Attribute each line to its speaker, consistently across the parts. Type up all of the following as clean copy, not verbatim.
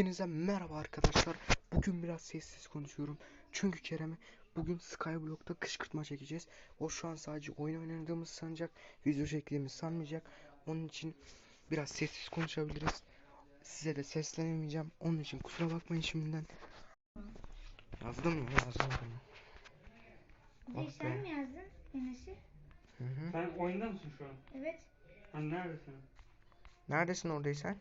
Speaker 1: Hepinize merhaba arkadaşlar. Bugün biraz sessiz konuşuyorum. Çünkü Kerem'e bugün Skyblock'ta kışkırtma çekeceğiz. O şu an sadece oyun oynadığımızı sanacak. Video çektiğimizi sanmayacak. Onun için biraz sessiz konuşabiliriz. Size de seslenemeyeceğim. Onun için kusura bakmayın şimdiden. Yazdım mı? Yazmadım mı?
Speaker 2: Oh sen mi yazdın Enes'i?
Speaker 3: Sen oyunda mısın şu an?
Speaker 2: Evet.
Speaker 3: Hani neredesin?
Speaker 1: Neredesin oradaysan?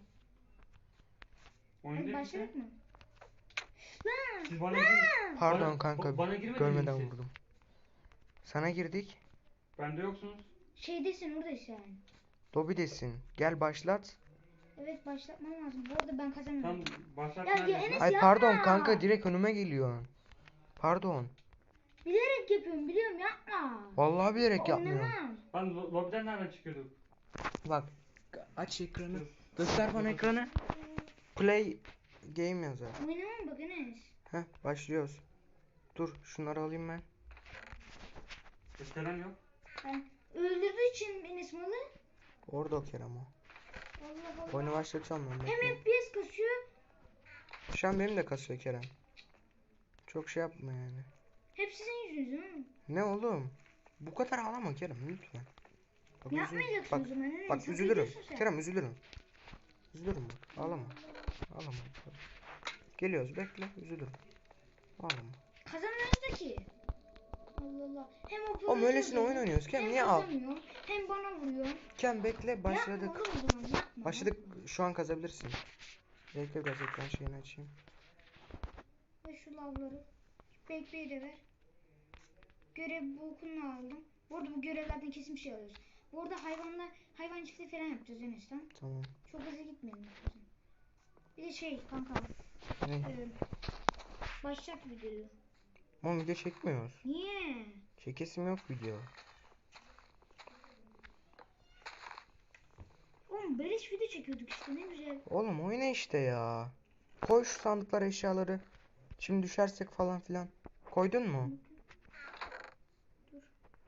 Speaker 2: Hadi başladık mı?
Speaker 3: Siz bana girin.
Speaker 1: Pardon kanka,
Speaker 3: bana girmediniz
Speaker 1: görmeden
Speaker 3: siz.
Speaker 1: vurdum. Sana girdik.
Speaker 3: Bende yoksunuz.
Speaker 2: Şeydesin oradasın.
Speaker 1: Lobidesin. Gel başlat.
Speaker 2: Evet başlatmam lazım. Bu arada ben kazanıyorum.
Speaker 3: Tam başlat
Speaker 2: Ya
Speaker 3: neredesin?
Speaker 2: Enes
Speaker 1: Ay
Speaker 2: yapma.
Speaker 1: pardon kanka, direkt önüme geliyor. Pardon.
Speaker 2: Bilerek yapıyorum biliyorum yapma.
Speaker 1: Vallahi bilerek yapmıyorum.
Speaker 2: Oynamam.
Speaker 3: Lan lobiden nereden çıkıyorduk?
Speaker 1: Bak, aç ekranı. Göster bana ekranı. Play game yazar.
Speaker 2: Oynamam bak Enes.
Speaker 1: Heh, başlıyoruz. Dur, şunları alayım ben.
Speaker 3: Kerem yok.
Speaker 2: Ben öldürdüğü için Enes malı.
Speaker 1: Orada o Kerem o.
Speaker 2: Allah Allah.
Speaker 1: Oyunu başlatıyorum ben.
Speaker 2: Hem
Speaker 1: bekle.
Speaker 2: FPS kasıyor.
Speaker 1: Şu an benim de kasıyor Kerem. Çok şey yapma yani.
Speaker 2: Hep sizin yüzünüzden mi?
Speaker 1: Ne oğlum? Bu kadar ağlama Kerem lütfen. Bak,
Speaker 2: Yapmayacaksın
Speaker 1: bak,
Speaker 2: o zaman Enes.
Speaker 1: bak
Speaker 2: Hak
Speaker 1: üzülürüm.
Speaker 2: ediyorsun sen.
Speaker 1: Kerem üzülürüm. Üzülürüm bak. Ağlama. Ağlama. Geliyoruz, bekle, üzülürüm. Ağlama.
Speaker 2: Kazanmıyoruz da ki. Allah Allah. Hem o
Speaker 1: Oğlum öylesine oyun oynuyoruz. Kerem niye ağl?
Speaker 2: Hem bana vuruyor.
Speaker 1: Kerem bekle, başladık.
Speaker 2: Yapma oğlum o zaman, yapma.
Speaker 1: Başladık. Şu an kazabilirsin. Bekle, biraz ekran şeyini açayım.
Speaker 2: Ve şu lavları. Bekleyi de ver. Görev bokunu aldım. Bu arada bu görevlerden kesin bir şey alıyoruz. Bu arada hayvan çiftliği falan yapacağız Enes'ten.
Speaker 1: Tamam.
Speaker 2: Çok hızlı gitmeyelim. Bir de şey kanka.
Speaker 1: Ne?
Speaker 2: Başlat videoyu.
Speaker 1: Oğlum video çekmiyoruz.
Speaker 2: Niye?
Speaker 1: Çekesim yok video.
Speaker 2: Oğlum beleş video çekiyorduk işte ne güzel.
Speaker 1: Oğlum oyna işte ya. Koy şu sandıklara eşyaları. Şimdi düşersek falan filan. Koydun mu?
Speaker 2: Dur.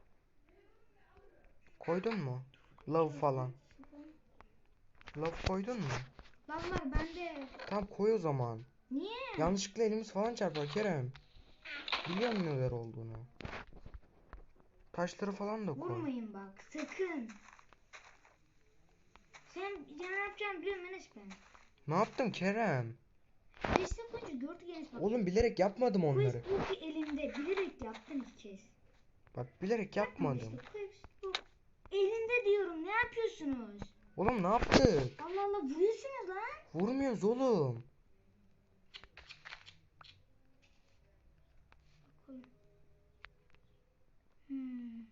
Speaker 1: Koydun mu? Love falan. Love koydun mu?
Speaker 2: Lavlar bende.
Speaker 1: Tamam koy o zaman.
Speaker 2: Niye?
Speaker 1: Yanlışlıkla elimiz falan çarpar Kerem. Biliyorum neler olduğunu. Taşları falan da koy.
Speaker 2: Vurmayın bak sakın. Sen ne yapacağını biliyorum Enes ben.
Speaker 1: Ne yaptım Kerem?
Speaker 2: Destek koyunca gördük Enes bak.
Speaker 1: Oğlum bilerek yapmadım onları.
Speaker 2: Questbook'u elimde bilerek yaptım ilk kez.
Speaker 1: Bak bilerek yapmadım.
Speaker 2: İşte Questbook elinde diyorum ne yapıyorsunuz?
Speaker 1: Oğlum ne yaptık?
Speaker 2: Allah Allah vuruyorsunuz lan.
Speaker 1: Vurmuyoruz oğlum.
Speaker 2: Hmm.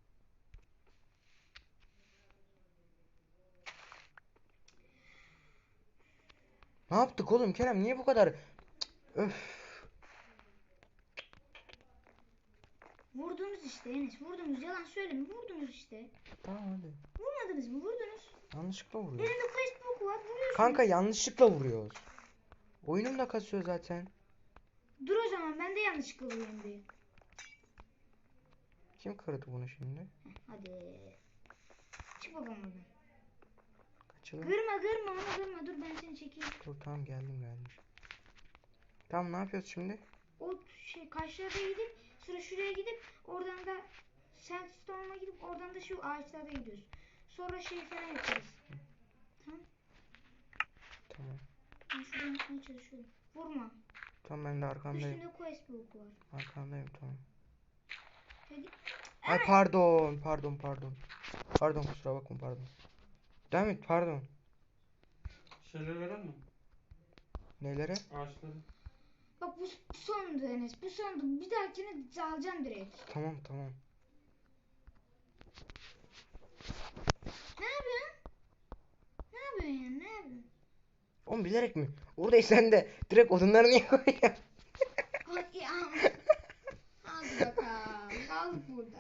Speaker 1: Ne yaptık oğlum Kerem? Niye bu kadar? Cık, öf.
Speaker 2: Vurdunuz işte Enes vurdunuz yalan söyleme vurdunuz işte.
Speaker 1: Tamam hadi.
Speaker 2: Vurmadınız mı vurdunuz.
Speaker 1: Yanlışlıkla vuruyor.
Speaker 2: Elinde Questbook var vuruyorsunuz.
Speaker 1: Kanka yanlışlıkla vuruyoruz. Oyunum da kasıyor zaten.
Speaker 2: Dur o zaman ben de yanlışlıkla vurayım bir.
Speaker 1: Kim kırdı bunu şimdi?
Speaker 2: Hadi. Çık bakalım oradan.
Speaker 1: Kaçalım.
Speaker 2: Kırma onu kırma dur ben seni çekeyim.
Speaker 1: Dur tamam geldim. Tamam ne yapıyoruz şimdi?
Speaker 2: O şey karşıya gidip sonra şuraya gidip oradan da Sandstone'a gidip oradan da şu ağaçlara gidiyoruz. Sonra şey falan yaparız. Tamam.
Speaker 1: Tamam.
Speaker 2: Ben şuradan yapmaya çalışıyorum. Vurma.
Speaker 1: Tamam ben de arkandayım.
Speaker 2: Üstünde questbook var.
Speaker 1: Arkandayım tamam.
Speaker 2: Hadi.
Speaker 1: Ay pardon. Pardon kusura bakma pardon. Devam et pardon.
Speaker 3: Şeyleri veren mi?
Speaker 1: Nelere?
Speaker 3: Ağaçları.
Speaker 2: Bak bu sondu Enes. Bu sondu. Bir dahakine alacağım direkt.
Speaker 1: Tamam.
Speaker 2: Ne yapıyorsun? Ne yapıyorsun yani? Ne yapıyorsun?
Speaker 1: Oğlum bilerek mi? Oradaysan de direkt odunları niye koyuyorsun?
Speaker 2: Hadi ya. Hadi bakalım. Kaldık burada.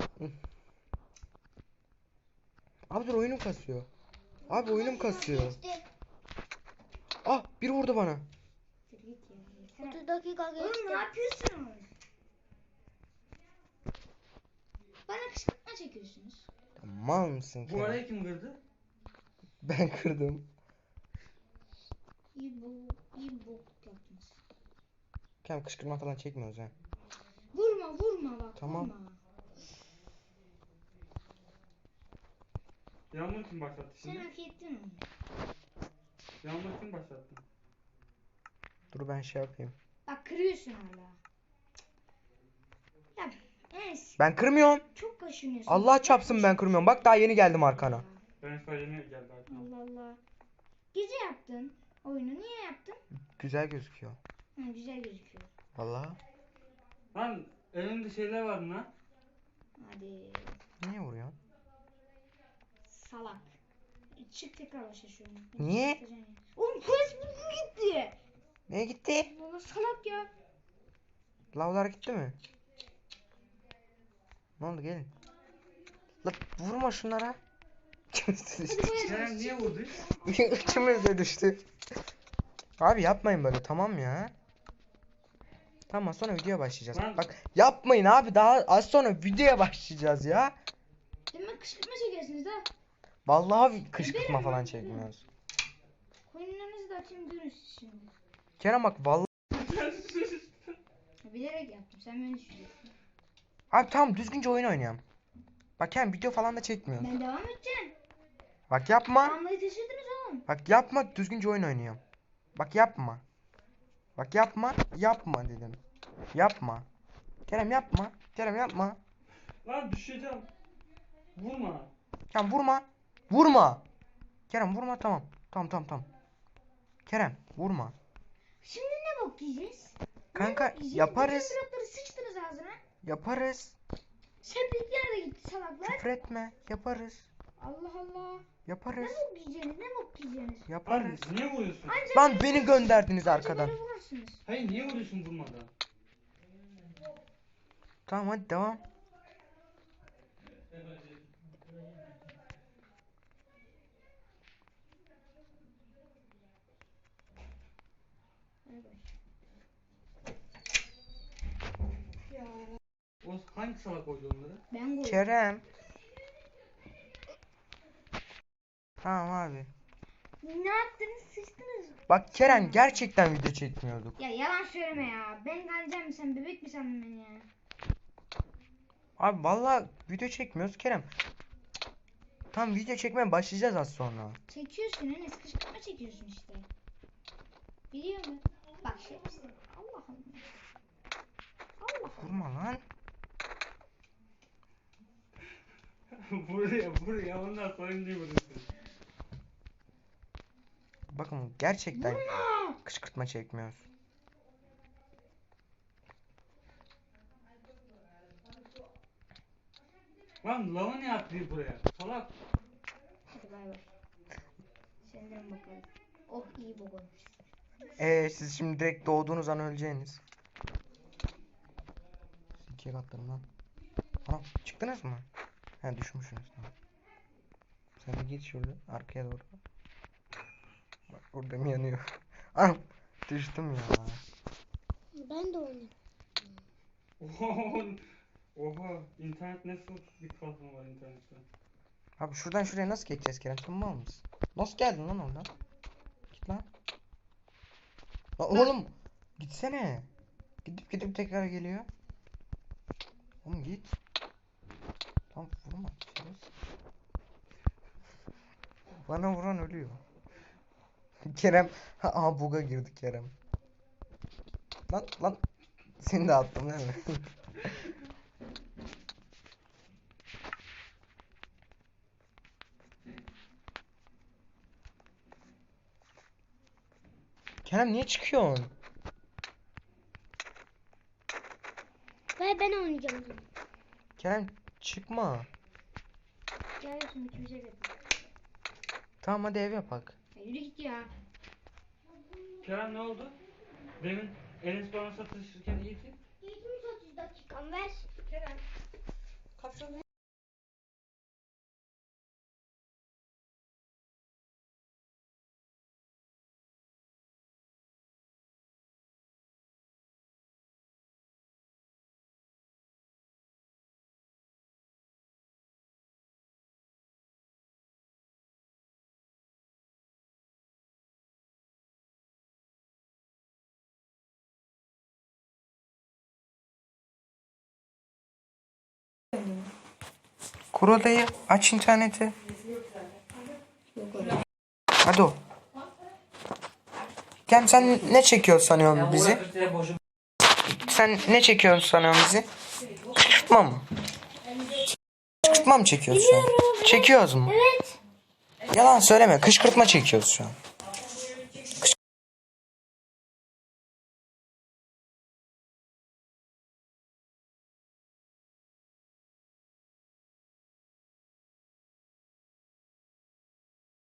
Speaker 1: Abi dur oyunum kasıyor. Abi oyunum kasıyor. Ah biri vurdu bana.
Speaker 2: 30 dakika geçti. Oğlum ne yapıyorsunuz? Bana kışkırtma çekiyorsunuz.
Speaker 1: Mal mısın
Speaker 3: Bu
Speaker 1: Kerem?
Speaker 3: arayı kim kırdı?
Speaker 1: Ben kırdım.
Speaker 2: İyi bok yaptınız.
Speaker 1: Kerem kışkırtma falan çekmiyoruz ha.
Speaker 2: Vurma bak,
Speaker 1: Tamam.
Speaker 2: vurma.
Speaker 3: Yağmur kim başlattı
Speaker 2: Sen
Speaker 3: şimdi?
Speaker 2: hak ettin onu.
Speaker 3: Yağmur kim başlattı?
Speaker 1: Dur ben şey yapayım.
Speaker 2: Bak kırıyorsun hala. Ya Enes
Speaker 1: Ben kırmıyorum.
Speaker 2: çok kaşınıyorsun.
Speaker 1: Allah
Speaker 2: Bak,
Speaker 1: çapsın ben kırmıyorum. Bak daha yeni geldim arkana.
Speaker 3: Ben şu an yeni geldi arkama.
Speaker 2: Allah Allah. Gece yaptın oyunu. Niye yaptın?
Speaker 1: Güzel gözüküyor.
Speaker 2: Hı, güzel gözüküyor.
Speaker 1: Vallahi.
Speaker 3: Lan elimde şeyler var lan.
Speaker 2: Hadi
Speaker 1: Niye vuruyorsun?
Speaker 2: salak. Çık tekrar başa şu oyunu.
Speaker 1: Niye?
Speaker 2: Çıkacaksın ya. Oğlum Facebook gitti.
Speaker 1: Neye gitti?
Speaker 2: Allah Allah, salak ya.
Speaker 1: Lavlar gitti mi? Ne oldu gelin. La vurma şunlara.
Speaker 3: Kerem niye vurdu?
Speaker 1: İçimize düştü. Abi yapmayın böyle tamam ya. Tamam sonra videoya başlayacağız.
Speaker 3: Lan-
Speaker 1: Bak yapmayın abi daha az sonra videoya başlayacağız ya.
Speaker 2: Demek kışkırtma çekiyorsunuz da.
Speaker 1: Vallahi kışkırtma
Speaker 2: Ederim
Speaker 1: falan
Speaker 2: lan,
Speaker 1: çekmiyoruz.
Speaker 2: Koyunlarınızı da atayım görün siz şimdi.
Speaker 1: Kerem bak vallahi.
Speaker 2: Bilerek yaptım. Sen beni düşüreceksin.
Speaker 1: Abi tamam düzgünce oyun oynayalım. Bak Kerem video falan da çekmiyoruz.
Speaker 2: Ben devam edeceğim.
Speaker 1: Bak yapma.
Speaker 2: Anlayı taşırdınız oğlum.
Speaker 1: Bak yapma düzgünce oyun oynuyorum. Bak yapma. Bak yapma. Yapma dedim. Yapma. Kerem yapma. Kerem yapma.
Speaker 3: Lan düşeceğim. Vurma.
Speaker 1: Kerem vurma. Vurma. Kerem vurma tamam. Tamam. Kerem vurma.
Speaker 2: Şimdi ne bok yiyeceğiz?
Speaker 1: Kanka
Speaker 2: Ne bok yiyeceğiz?
Speaker 1: yaparız.
Speaker 2: Bütün blokları sıçtınız ağzına.
Speaker 1: Yaparız.
Speaker 2: Sepetler de gitti salaklar.
Speaker 1: Küfür etme. Yaparız.
Speaker 2: Allah Allah.
Speaker 1: Yaparız.
Speaker 2: Ne bok yiyeceğiniz? Ne bok yiyeceğiniz?
Speaker 3: Lan
Speaker 1: Yaparız.
Speaker 3: niye vuruyorsun?
Speaker 2: Anca
Speaker 1: Lan beni gönderdiniz
Speaker 2: anca
Speaker 1: arkadan.
Speaker 2: böyle vurursunuz.
Speaker 3: Hayır niye vuruyorsun vurmadan?
Speaker 1: Tamam hadi devam.
Speaker 2: Bay bay.
Speaker 3: O hangi salak koydu onları?
Speaker 2: Ben koydum.
Speaker 1: Kerem. Tamam abi.
Speaker 2: Ne yaptınız? Sıçtınız.
Speaker 1: Bak Kerem gerçekten video çekmiyorduk.
Speaker 2: Ya yalan söyleme ya. Ben geleceğim, sen bebek mi sandın beni ya?
Speaker 1: Abi vallahi video çekmiyoruz Kerem. Tam video çekmeye başlayacağız az sonra.
Speaker 2: Çekiyorsun Enes, kışkırtma çekiyorsun işte. Biliyor musun? Bak şey işte. Allah Allah. Allah Allah.
Speaker 1: Vurma lan.
Speaker 3: Buraya ondan sonra niye vuruyorsun?
Speaker 1: Bakın gerçekten
Speaker 2: Vurma.
Speaker 1: kışkırtma çekmiyoruz.
Speaker 3: Lan lava ne yaptı buraya? Salak.
Speaker 2: Hadi bay bay. Senden bakalım. Oh iyi bok olmuş.
Speaker 1: Siz şimdi direkt doğduğunuz an öleceğiniz. Siz ikiye katlarım lan. Ana çıktınız mı? He düşmüşsünüz tamam. Sen de git şurada arkaya doğru. Bak burada mı yanıyor? Anam düştüm ya.
Speaker 2: Ben de oynayayım.
Speaker 3: Oha, internet nasıl bir kalkma var internette?
Speaker 1: Abi şuradan şuraya nasıl geçeceğiz Kerem? Sen mal mısın? Nasıl geldin lan oradan? Git lan. Lan oğlum gitsene. Gidip tekrar geliyor. Oğlum git. Tamam vurma. Şerefsiz. Bana vuran ölüyor. Kerem. Aha buga girdi Kerem. Lan. Seni de attım değil mi? Kerem niye çıkıyorsun?
Speaker 2: Ve ben oynayacağım.
Speaker 1: Kerem çıkma.
Speaker 2: Gel şimdi kimse de.
Speaker 1: Tamam hadi ev yapak.
Speaker 2: Ya yürü git ya.
Speaker 3: Kerem ne oldu? Demin Enes bana satışırken iyiydi.
Speaker 2: İlk 30 dakikam ver. Kerem. Kafanı
Speaker 1: Kur odayı. Aç interneti. Hadi o. Gel sen ne çekiyorsun sanıyorsun bizi? Sen ne çekiyorsun sanıyorsun bizi? Kışkırtma mı? Kışkırtma mı çekiyorsun şu an? Çekiyoruz mu?
Speaker 2: Evet.
Speaker 1: Yalan söyleme. Kışkırtma çekiyoruz şu an.